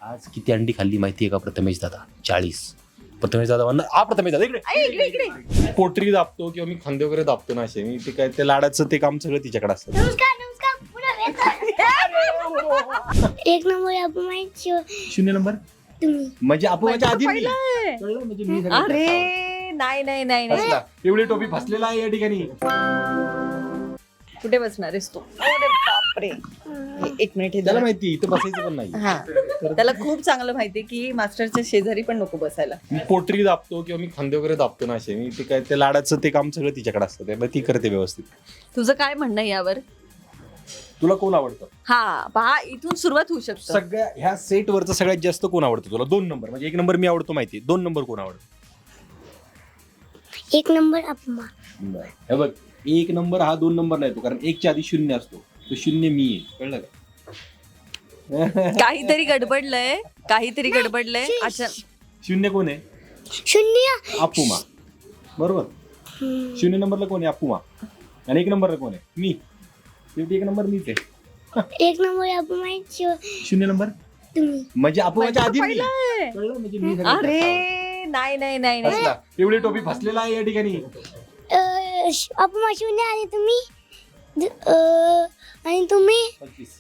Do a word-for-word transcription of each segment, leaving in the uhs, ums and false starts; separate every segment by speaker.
Speaker 1: आज किती अंडी खाल्ली माहिती आहे का प्रथमेश दादा? चाळीस. प्रथमेश दादा म्हणणार हा प्रथमेश दादा इकडे
Speaker 2: इकडे इकडे
Speaker 3: पोटरी दाबतो किंवा मी खांदे वगैरे दाबतो ना असे मी ते काय ते लाडाचं ते काम सगळं तिच्याकडे असतं.
Speaker 4: नमस्कार नमस्कार पुन्हा एक नंबर आपण माहिती
Speaker 3: शून्य नंबर
Speaker 4: तुम्ही
Speaker 3: म्हणजे आपण माझ्या आधी मी.
Speaker 2: पहिलं.
Speaker 3: कळलं? म्हणजे मी सगळं
Speaker 2: अरे नाही नाही नाही नाही
Speaker 3: फसला. एवढी टोपी फसलेला आहे या ठिकाणी.
Speaker 2: कुठे बसणार आहेस तू? अरे बापरे हे एक मिनिट हे
Speaker 3: त्याला
Speaker 2: जरा-
Speaker 3: माहिती इथं बसायचं पण नाही.
Speaker 2: हा त्याला खूप चांगलं माहितीये की मास्टरच्या शेजारी पण नको बसायला.
Speaker 3: मी पोटरी दाबतो किंवा मी खांदे वगैरे दाबतो ना असे मी ते काय ते लाडाचं ते काम सगळं तिच्याकडे असतं त्यामुळे ती करते व्यवस्थित.
Speaker 2: तुझं काय म्हणणं आहे यावर?
Speaker 3: तुला कोण आवडतं?
Speaker 2: हा पहा इथून सुरुवात होऊ शकतं.
Speaker 3: सगळ्या ह्या सेट वरचं सगळ्यात जास्त कोण आवडतं तुला? दोन नंबर म्हणजे एक नंबर मी आवडतो माहिती, दोन नंबर कोण आवडतं?
Speaker 4: एक नंबर अपमा
Speaker 3: हे बघ एक नंबर हा दोन नंबर नाही तो, कारण एकच्या आधी शून्य असतो, तो शून्य मी आहे. कळलं का?
Speaker 2: काहीतरी गडबडलंय काहीतरी गडबडलंय अच्छा
Speaker 3: शून्य कोण आहे?
Speaker 4: शून्य
Speaker 3: अपुमा. बरोबर. शून्य नंबरला कोण आहे? अपुमा. आणि एक नंबरला कोण आहे? मी. शेवटी एक नंबर मीच आहे.
Speaker 4: एक नंबर आपण माहिती
Speaker 3: शून्य नंबर
Speaker 4: तुम्ही
Speaker 3: म्हणजे अपुमाच्या आधी मी.
Speaker 2: पहिलंय.
Speaker 3: कळलं? म्हणजे मी सगळं
Speaker 2: अरे
Speaker 3: करतो.
Speaker 2: नाही नाही नाही नाही
Speaker 3: फसला. एवढी टोपी फसलेला आहे या ठिकाणी.
Speaker 4: अपमा शून्य आणि तुम्ही द- अं, आणि तुम्ही
Speaker 3: पंचवीस.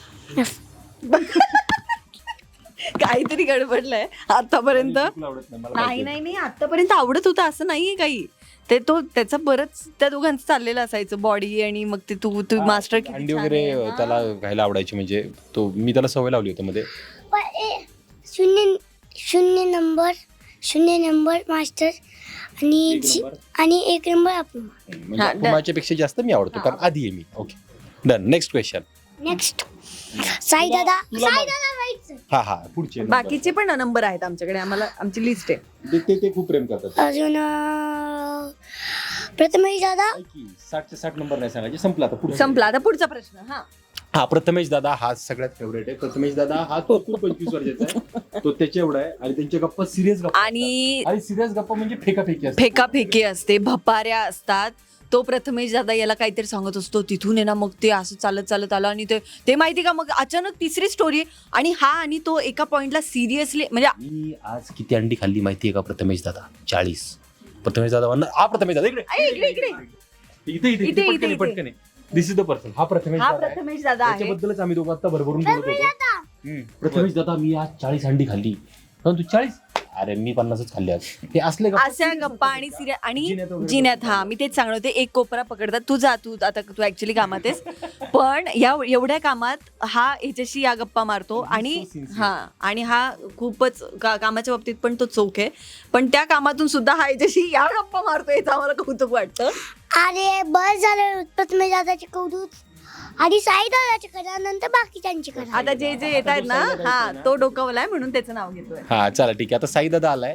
Speaker 2: काहीतरी गडबडलंय आतापर्यंत.
Speaker 3: तुला आवडत नाही, मला
Speaker 2: नाही
Speaker 3: माहिती
Speaker 2: नाही नाही आतापर्यंत आवडत होतं असं नाहीये काही. ते तो त्याचा बरंच त्या दोघांचं चाललेलं असायचं बॉडी आणि मग ते तू तू मास्टर
Speaker 3: आहे. अंडी वगैरे त्याला खायला आवडायची म्हणजे तो मी त्याला सवय लावली होती मध्ये.
Speaker 4: प- ए- शून्य शून्य नंबर शून्य नंबर मास्टर आणि
Speaker 3: एक
Speaker 4: जी-
Speaker 3: नंबर.
Speaker 4: आणि एक नंबर अपमा.
Speaker 3: म्हणजे
Speaker 2: हा,
Speaker 3: अपुमाच्या पेक्षा जास्त मी आवडतो कारण आधी आहे मी. Okay done. Next question.
Speaker 4: Next Sai दादा
Speaker 3: तुला
Speaker 4: साई
Speaker 3: मा-
Speaker 4: दादा व्हायचं
Speaker 3: हा हा पुढचे number.
Speaker 2: बाकीचे पण नंबर आहेत आमच्याकडे आम्हाला आमची लिस्ट आहे.
Speaker 3: ते- ते ते खूप प्रेम करतात.
Speaker 4: अजून अं, प्रथमेश दादा
Speaker 3: काय की साठचे साठ नंबर नाही सांगायचे, संपला आता पुढे.
Speaker 2: संपला आता पुढचा प्रश्न. हा
Speaker 3: हा प्रथमेश दादा हा सगळ्यात फेवरेट आहे. प्रथमेश दादा हा तो खूप पंचवीस वर्षाचा आहे, तो त्याच्या एवढा आहे आणि त्यांच्या गप्पा सिरियस गप्पा
Speaker 2: आणि
Speaker 3: असतात. आणि सिरियस गप्पा म्हणजे फेकाफेकी असते.
Speaker 2: फेकाफेकी असते भपाऱ्या असतात. तो प्रथमेश दादा याला काहीतरी सांगत असतो तिथून आहे ना मग ते असं चालत चालत आलं आणि ते ते माहिती का मग अचानक तिसरी स्टोरी आणि हा आणि तो एका पॉइंटला सिरियसली म्हणजे
Speaker 1: मी आज किती अंडी खाल्ली माहिती आहे का प्रथमेश दादा? चाळीस. प्रथमेश दादा म्हणणार हा प्रथमेश दादा इकडे
Speaker 2: ऐ, इकडे इकडे
Speaker 3: इथे इथे
Speaker 2: इथे,
Speaker 3: इथे
Speaker 2: इथे,
Speaker 3: पटकन
Speaker 2: इथे.
Speaker 3: पटकन दिस इज द पर्सन. हा प्रथमेश
Speaker 2: हा
Speaker 3: दादा आहे.
Speaker 2: प्रथमेश दादा आहे.
Speaker 3: त्याच्याबद्दलच आम्ही दोघं आता भरभरून बोलत होतो.
Speaker 4: दादा
Speaker 3: हम्म.
Speaker 1: प्रथमेश दादा मी आज चाळीस अंडी खाल्ली. पण तू चाळीस? अरे मी पन्नासच खाल्ली आज. हे असले का?
Speaker 2: अशा गप्पा आणि सिरियस आणि
Speaker 3: जिन्यात वगैरे
Speaker 2: जिन्यात हा मी तेच सांगणार होते. एक कोपरा पकडतात तू जा तू आता तू ऍक्च्युली कामात आहेस पण या एवढ्या कामात हा ह्याच्याशी या गप्पा मारतो आणि
Speaker 3: so sincere.
Speaker 2: हा आणि हा खूपच का- कामाच्या बाबतीत पण तो चोख आहे पण त्या कामातून सुद्धा हा ह्याच्याशी या गप्पा मारतो याचं आम्हाला कौतुक वाटतं.
Speaker 4: अरे बस झालं प्रथमेश दादाचे कौतुक आधी साई दादाचे करा नंतर बाकीच्यांचे करा.
Speaker 2: आता जे जे येत आहेत ना हा तो डोकावलाय म्हणून त्याचं नाव घेतोय.
Speaker 3: हा चला ठीक आहे. आता साई दादा आलाय.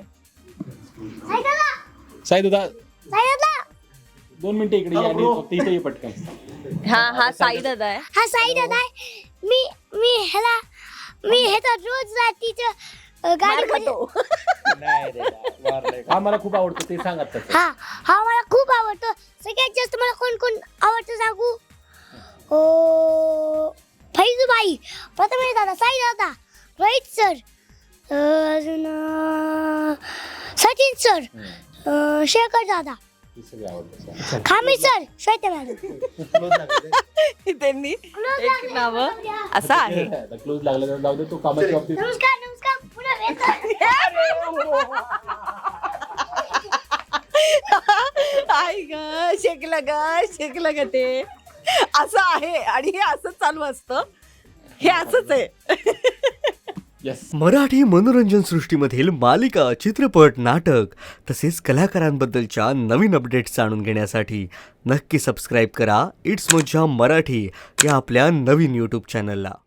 Speaker 4: साई दादा
Speaker 3: साई दादा
Speaker 4: साई दादा
Speaker 3: दोन मिनिटं इकडे या आणि फक्त इथे ये पटकन.
Speaker 2: हा हा साई दादा आहे.
Speaker 4: हा साई दादा आहे. मी मी ह्याला मी ह्याचा रोज रात्रीचं गाडी
Speaker 2: मार खातो.
Speaker 3: हा मला खूप आवडतो ते सांग आता.
Speaker 4: हा हा मला खूप आवडतो. सगळ्यात जास्त मला कोण कोण आवडतं सांगू? ओ फैजूबाई, प्रथमेश दादा, साई दादा, रोहित सर, अजून अं, सचिन सर, अं, शेखर दादा,
Speaker 3: ते सगळे आवडतात.
Speaker 4: खामी सर, श्वेता मॅडम.
Speaker 2: त्यांनी एक नाव असं आहे.
Speaker 3: क्लोज लागला तर जाऊ दे, तो कामाच्या बाबतीत.
Speaker 4: नमस्कार नमस्कार पुन्हा भेटू.
Speaker 2: आई ग शेकलं ग शेकलं ग ते असं आहे आणि हे असंच चालू असतं. हे असंच आहे.
Speaker 3: Yes.
Speaker 5: मराठी मनोरंजन सृष्टीमधील मालिका, चित्रपट, नाटक तसेच कलाकारांबद्दलच्या नवीन अपडेट्स जाणून घेण्यासाठी नक्की सबस्क्राईब करा इट्स मज्जा मराठी या आपल्या नवीन यूट्यूब चॅनलला.